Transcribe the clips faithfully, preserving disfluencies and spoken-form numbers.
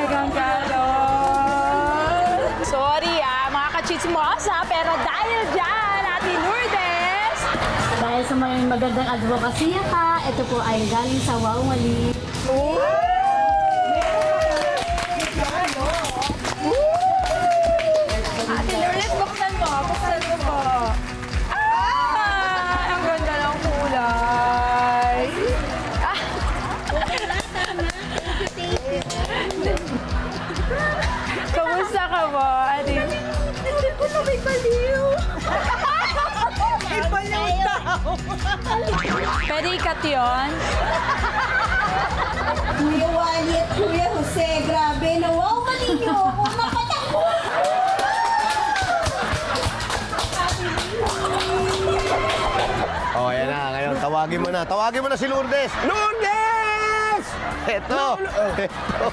Talagang ganon. Sorry ah, mga kachitsmosa, pero dahil dyan, Ate Lourdes, Dahil sa may magandang advocacy ka, ito po ay galing sa Wow Mali. Ate Lourdes, buksan mo. Buksan mo po. Ah! Ang ganda ng kulay. Ah! Kamusta ka ba, Ate? Hindi ko na may baliw. May baliw daw. Pwede ikat yun? Kuya Wally at Kuya Jose, grabe. Nawawa ninyo ako makatakbo. Oh, ayan na. Ngayon, tawagin mo na. Tawagin mo na si Lourdes. Lourdes! Ito. Ito.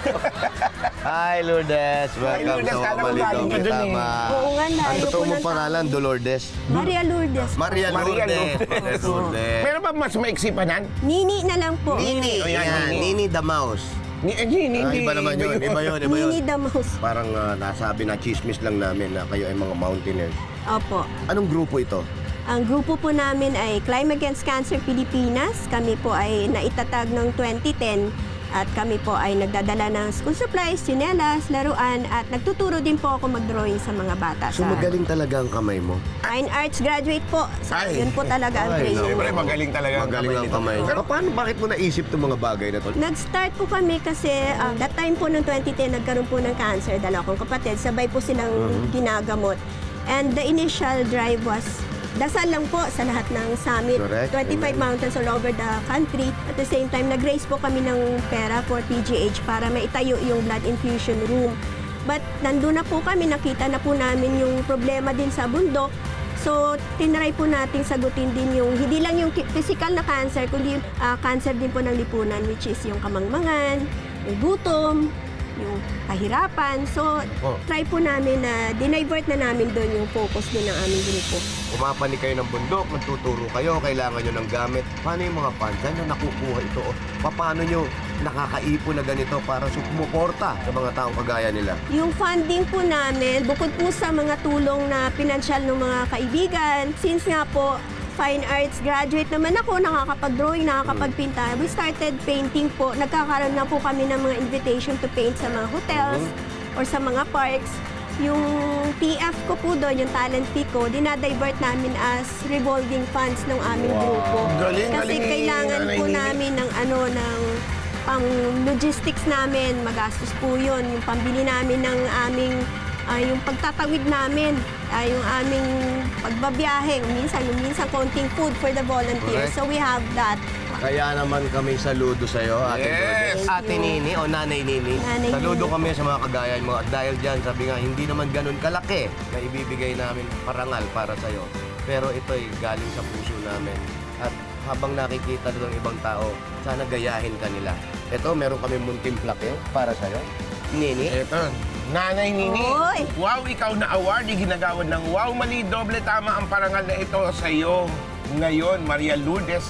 Hi, Lourdes. Welcome Lourdes, to kala ko Mali galing ka Doble dun eh. Tama. Oo nga, Ang layo totoo po mong ng pangalan, Dolores. Maria Lourdes. Maria Maria Lourdes. Lourdes. Lourdes. Meron ba mas maiksi pa nan? Nini na lang po. Nini. Oh, yan, Yan, Nini. Nini the Mouse. Ni, eh, hindi, Ah, hindi. iba naman yun. Iba yun, iba yun. Nini the Mouse. Parang ah, nasabi na chismis lang namin na kayo ay mga mountaineers. Opo. Anong grupo ito? Ang grupo po namin ay Climb Against Cancer Pilipinas. Kami po ay naitatag noong twenty ten at kami po ay nagdadala ng school supplies, tsinelas, laruan at nagtuturo din po ako mag-drawing sa mga bata. So sa magaling talaga ang kamay mo. Fine Arts graduate po. So, Ay. yun po talaga ang Ay, training. Siyempre, magaling talaga ang Magaling ang nito. kamay. Pero Pero paano, bakit mo naisip itong mga bagay na to? Nag-start po kami kasi uh, that time po noong twenty ten nagkaroon po ng cancer. Dalawa kong kapatid, sabay po silang Mm-hmm. ginagamot. And the initial drive was dasal lang po sa lahat ng summit. Correct. twenty-five Amen. mountains all over the country. At the same time, nag-raise po kami ng pera for P G H para maitayo yung blood infusion room. But nandun na po kami, nakita na po namin yung problema din sa bundok. So, tinry po nating sagutin din yung, hindi lang yung ki- physical na cancer, kundi ah, cancer din po ng lipunan, which is yung kamangmangan, yung gutom, yung kahirapan. So, Oh. try po namin na dinivert na namin doon yung focus din ng aming grupo. Umapani kayo ng bundok, magtuturo kayo, kailangan nyo ng gamit. Paano yung mga fans? Saan nyo nakukuha ito? O, paano nyo nakakaipon na ganito para sumuporta sa mga taong kagaya nila? Yung funding po namin, bukod po sa mga tulong na pinansyal ng mga kaibigan, since nga po, fine arts graduate naman ako, nakakapag-drawing, nakakapagpinta. We started painting po. Nagkakaroon na po kami ng mga invitation to paint sa mga hotels or sa mga parks. Yung T F ko po doon, yung talent fee ko, dinadivert namin as revolving funds ng aming grupo. Galing, Kasi galing ni kailangan Nanay po Nini. namin ng ano, ng pang logistics namin, magastos po yun. Yung pambili namin ng aming, ah, yung pagtatawid namin, ah, yung aming pagbabiyahe, minsan, yung minsan konting food for the volunteers. Correct. So we have that. Kaya naman kami saludo sa iyo, Ate Yes. Lourdes. Ate Nini o Nanay Nini. Nanay Saludo Nini. kami sa mga kagaya mo. At dahil dyan, sabi nga, hindi naman ganun kalaki na ibibigay namin parangal para sa iyo. Pero ito'y galing sa puso namin. At habang nakikita ng ibang tao, sana gayahin ka nila. Ito, meron kami munting plaque para sa iyo. Nini. Eto, Nanay Nini. Oy! Wow, ikaw na award. Ginagawad ng Wow Mali Doble Tama ang parangal na ito sa iyo. Ngayon, Maria Lourdes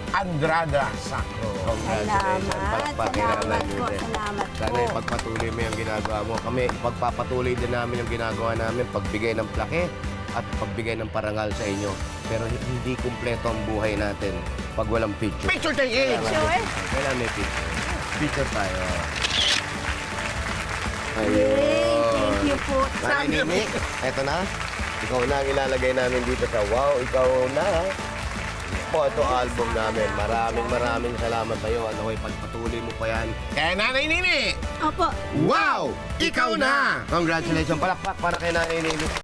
Andrada Sacro. Congratulations. Salamat. Palakpakin na Salamat lang, po. Lourdes. Salamat Sana po. ipagpatuloy mo yung ginagawa mo. Kami, ipagpapatuloy din namin yung ginagawa namin, pagbigay ng plaque at pagbigay ng parangal sa inyo. Pero hindi kumpleto ang buhay natin pag walang picture. Picture tayo eh. Sure. Kailangan may picture. Picture tayo. Yay! Thank you po. Nanay Nini, eto na. Ikaw na ang ilalagay namin dito sa Wow, ikaw na. Photo album namin. Maraming maraming salamat sa iyo. Ano, ipagpatuloy mo pa yan. Kaya Nanay Nini. Opo. Wow! Ikaw na! Congratulations. Palakpak para kay Nanay Nini.